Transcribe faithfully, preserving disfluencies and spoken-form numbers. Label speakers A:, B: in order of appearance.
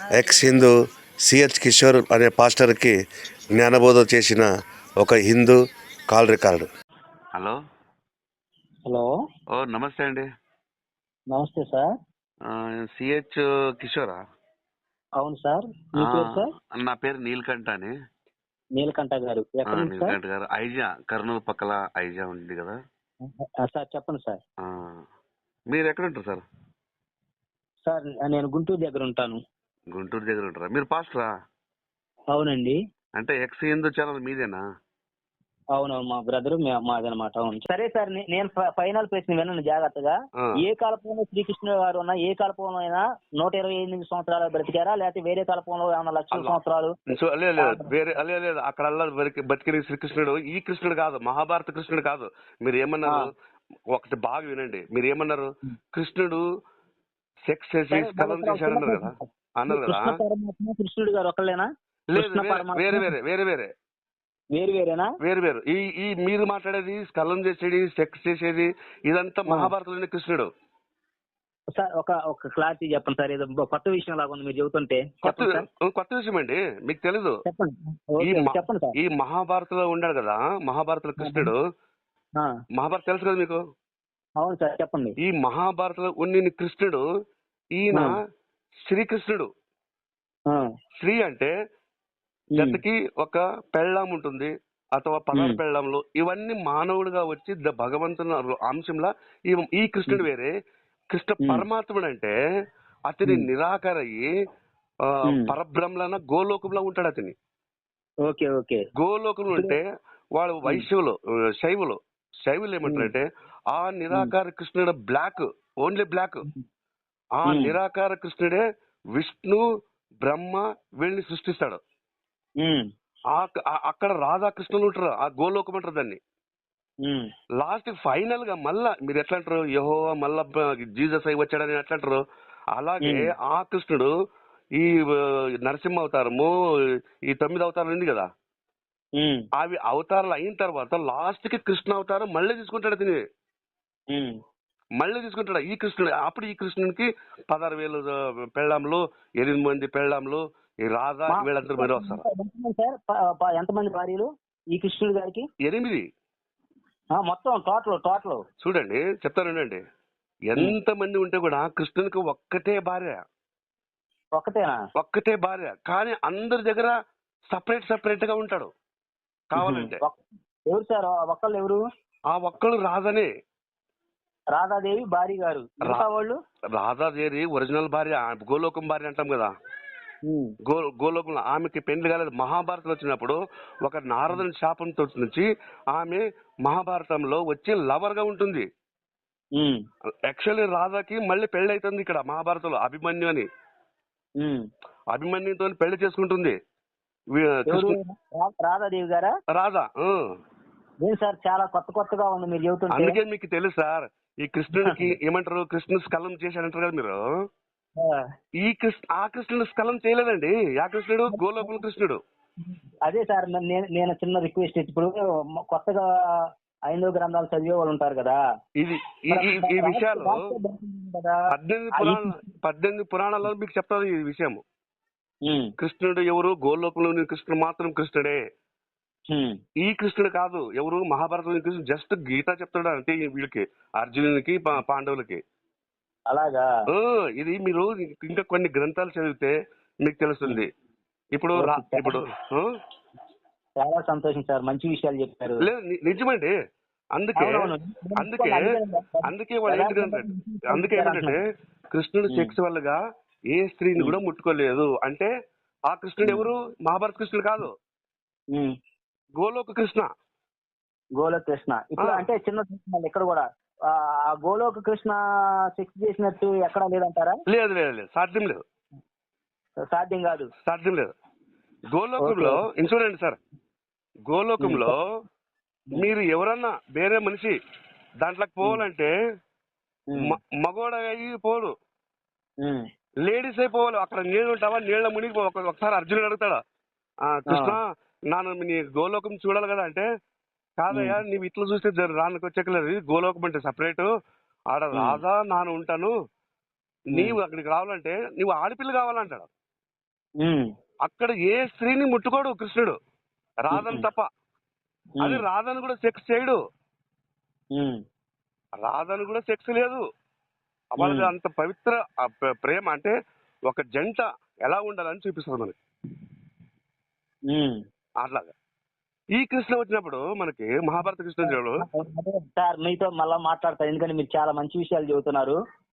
A: X Hindu CH Kishore అనే పాస్టర్కి జ్ఞానబోధ చేసిన ఒక Hindu call record.
B: Hello
C: hello
B: ఓ నమస్తే అండి.
C: నమస్తే సార్.
B: సిహెచ్ కిషోరా?
C: అవును సార్. మీ పేరు సార్?
B: నా పేరు నీలకంఠ అని.
C: నీలకంఠ గారు ఎక్కడ నుంచి సార్?
B: నీలకంఠ గారు ఐజా, కర్నూలు పక్కల ఐజా ఉంది కదా
C: సార్. చెప్పండి సార్.
B: మీరు ఎక్కడ ఉంటారు సార్?
C: సార్ నేను గుంటూరు దగ్గర ఉంటాను.
B: గుంటూరు దగ్గర ఉంటారా? మీరు పాస్టరా?
C: అవునండి.
B: అంటే ఎక్స్ హిందూ ఛానల్ మీదేనా?
C: అవునవును, మా బ్రదర్ మాదనమాట. అవును. సరే సార్, నేను ఫైనల్ ప్రశ్న వినండి జాగ్రత్తగా. ఏ కాలపంలో శ్రీకృష్ణుడు గారు ఉన్నా, ఏ కాలపంలో అయినా నూట ఇరవై ఎనిమిది సంవత్సరాలు బ్రతికారా, లేకపోతే వేరే కాలపంలో ఏమన్నా లక్షల సంవత్సరాలు?
B: వేరే లేదు. అక్కడ బతికిన శ్రీకృష్ణుడు ఈ కృష్ణుడు కాదు, మహాభారత కృష్ణుడు కాదు. మీరు ఏమన్నారు? ఒకటి బాగా వినండి. మీరు ఏమన్నారు? కృష్ణుడు సెక్స్ చేసి స్కలం చేశాడన్నారు కదా అన్నారు కదా.
C: కృష్ణుడు గారు ఒకళ్ళేనా?
B: లేదు, వేరే వేరే వేరే వేరే
C: వేరు వేరేనా?
B: వేరు వేరు. ఈ ఈ మీరు మాట్లాడేది స్కలం చేసేది, సెక్స్ చేసేది, ఇదంతా మహాభారతంలోని కృష్ణుడు.
C: సార్ ఒక ఒక క్లారిటీ చెప్పండి సార్. ఏదో కొత్త విషయం లాగా ఉంది మీరు చెబుతుంటే.
B: కొత్త కొత్త విషయం అండి, మీకు తెలీదు.
C: చెప్పండి సార్.
B: ఈ మహాభారతంలో ఉన్నాడు కదా, మహాభారత కృష్ణుడు. మహాభారత తెలుసు కదా మీకు?
C: అవును సార్, చెప్పండి.
B: ఈ మహాభారతంలో ఉన్న కృష్ణుడు ఈయన శ్రీకృష్ణుడు. శ్రీ అంటే జతకి ఒక పెళ్ళాం ఉంటుంది, అథవా పదహారు పెళ్ళాంలు. ఇవన్నీ మానవుడిగా వచ్చి భగవంతుని అంశంలా ఈ కృష్ణుడు వేరే. కృష్ణ పరమాత్ముడు అంటే అతని నిరాకరయ్యి పరబ్రహ్మలన గోలోకంలో ఉంటాడు అతని.
C: Okay okay.
B: గోలోకంలో ఉంటే వాడు వైశ్యులు, శైవులు శైవులు ఏమంటారంటే ఆ నిరాకార కృష్ణుడు బ్లాక్, ఓన్లీ బ్లాక్. ఆ నిరాకార కృష్ణుడే విష్ణు బ్రహ్మ వీళ్ళని సృష్టిస్తాడు. అక్కడ రాధాకృష్ణులు ఉంటారు, ఆ గోలోకం అంటారు దాన్ని. లాస్ట్ ఫైనల్ గా మళ్ళా మీరు ఎట్లా అంటారు, యెహోవా మళ్ళా జీసస్ అయి వచ్చాడని ఎట్లా అంటారు, అలాగే ఆ కృష్ణుడు ఈ నరసింహ అవతారము, ఈ తొమ్మిది అవతారం ఉంది కదా, అవి అవతారాలు అయిన తర్వాత లాస్ట్ కి కృష్ణ అవతారం మళ్ళీ తీసుకుంటాడు తిని. మళ్ళీ తీసుకుంటాడు ఈ కృష్ణుడు. అప్పుడు ఈ కృష్ణునికి పదహారు వేలు పెళ్ళాంలు, ఎనిమిది మంది పెళ్ళాంలు, ఈ రాధా వీళ్ళందరూ మీరు వస్తారు.
C: ఎంతమంది భార్యలు ఈ కృష్ణుడు గారికి?
B: ఎనిమిది
C: మొత్తం టోటల్ టోటల్
B: చూడండి, చెప్తానండి. ఎంత మంది ఉంటే కూడా కృష్ణునికి ఒక్కటే భార్య.
C: ఒక్కటేనా?
B: ఒక్కటే భార్య, కానీ అందరి దగ్గర సపరేట్ సపరేట్ గా ఉంటాడు కావాలంటే.
C: ఎవరు సార్ ఒక్కళ్ళు? ఎవరు
B: ఆ ఒక్కళ్ళు? రాధనే.
C: రాధాదేవి భార్య గారు. వాళ్ళు
B: రాధాదేవి ఒరిజినల్ భార్య, గోలోకం భార్య అంటాం కదా. గో గోలోకంలో ఆమెకి పెళ్లి కాలేదు. మహాభారతం వచ్చినప్పుడు ఒక నారదుని శాపంతో నుంచి ఆమె మహాభారతంలో వచ్చి లవర్ గా ఉంటుంది. యాక్చువల్లీ రాధాకి మళ్ళీ పెళ్లి అవుతుంది ఇక్కడ మహాభారతంలో, అభిమన్యు అని. అభిమన్యుతో పెళ్లి చేసుకుంటుంది
C: రాధాదేవి గారా?
B: రాధా.
C: సార్ చాలా కొత్త కొత్తగా ఉంది మీరు చెబుతుంటే.
B: అందుకే మీకు తెలుసు సార్, ఈ కృష్ణుడికి ఏమంటారు, కృష్ణుడు స్కలం చేశాడంటారు కదా మీరు. ఈ కృష్ణ ఆ కృష్ణుడు స్కలం చేయలేదండి. ఆ కృష్ణుడు గోలోకుల కృష్ణుడు.
C: అదే సార్, నేను చిన్న రిక్వెస్ట్, ఇప్పుడు కొత్తగా ఐదో గ్రంథాలు చదివే వాళ్ళు ఉంటారు కదా,
B: ఇది ఈ విషయాలు పద్దెనిమిది పురాణ పద్దెనిమిది పురాణాల్లో మీకు చెప్తారు ఈ విషయము. కృష్ణుడు ఎవరు? గోలోకంలో కృష్ణుడు మాత్రం కృష్ణుడే. ఈ కృష్ణుడు కాదు ఎవరు, మహాభారతంలో కృష్ణుడు జస్ట్ గీత చెప్తాడు అంటే వీళ్ళకి, అర్జునునికి పాండవులకి.
C: అలాగా?
B: ఇది మీరు ఇంకా కొన్ని గ్రంథాలు చదివితే మీకు తెలుస్తుంది. ఇప్పుడు ఇప్పుడు
C: చాలా సంతోషం సార్, మంచి విషయాలు చెప్పారు.
B: లేదు నిజమండి. అందుకే అందుకే అందుకే వాళ్ళు ఏంటంటే అందుకే ఏంటంటే కృష్ణుడు సెక్స్ వల్లగా ఏ స్త్రీని కూడా ముట్టుకోలేదు అంటే ఆ కృష్ణుడు ఎవరు? మహాభారత కృష్ణుడు కాదు, గోలోక కృష్ణ.
C: గోలోక కృష్ణ. ఇప్పుడు అంటే చిన్న ఇక్కడ కూడా ఆ గోలోక కృష్ణ సెక్స్ చేసినట్టు ఎక్కడా లేదంటారా?
B: లేదు లేదు లేదు, సాధ్యం లేదు.
C: సాధ్యం కాదు,
B: సాధ్యం లేదు. గోలోకంలో చూడండి సార్, గోలోకంలో మీరు ఎవరన్నా వేరే మనిషి దాంట్లోకి పోవాలంటే మగోడ అయ్యి పోడు, లేడీస్ అయిపోవాలి. అక్కడ నీళ్ళు ఉంటావా, నీళ్ళ మునిగి ఒకసారి అర్జునుడు అడుగుతాడా, కృష్ణ నాను నీ గోలోకం చూడాలి కదా అంటే, కాదయ్యా నీవు ఇట్లా చూస్తే రానికి వచ్చేకలేదు, గోలోకం అంటే సపరేట్, ఆడ రాధా నాను ఉంటాను, నీవు అక్కడికి రావాలంటే నీవు ఆడపిల్ల కావాలంటాడు.
C: ఉమ్,
B: అక్కడ ఏ స్త్రీని ముట్టుకోడు కృష్ణుడు, రాధను తప్ప. అది
C: ఉమ్,
B: రాధను కూడా సెక్స్ చేయడు,
C: ఉమ్,
B: రాధను కూడా సెక్స్ లేదు. వాళ్ళది
C: ఉమ్.
B: అంత పవిత్ర ఆ ప్ర- ప్రేమ అంటే ఒక జంట ఎలా ఉండాలని చూపిస్తుంది మనకి.
C: ఉమ్.
B: అట్లాగా ఈ కృష్ణ వచ్చినప్పుడు మనకి మహాభారత కృష్ణ వచ్చినప్పుడు
C: అదే సార్ మీతో మళ్ళా మాట్లాడతారు, ఎందుకంటే మీరు చాలా మంచి విషయాలు చెబుతున్నారు.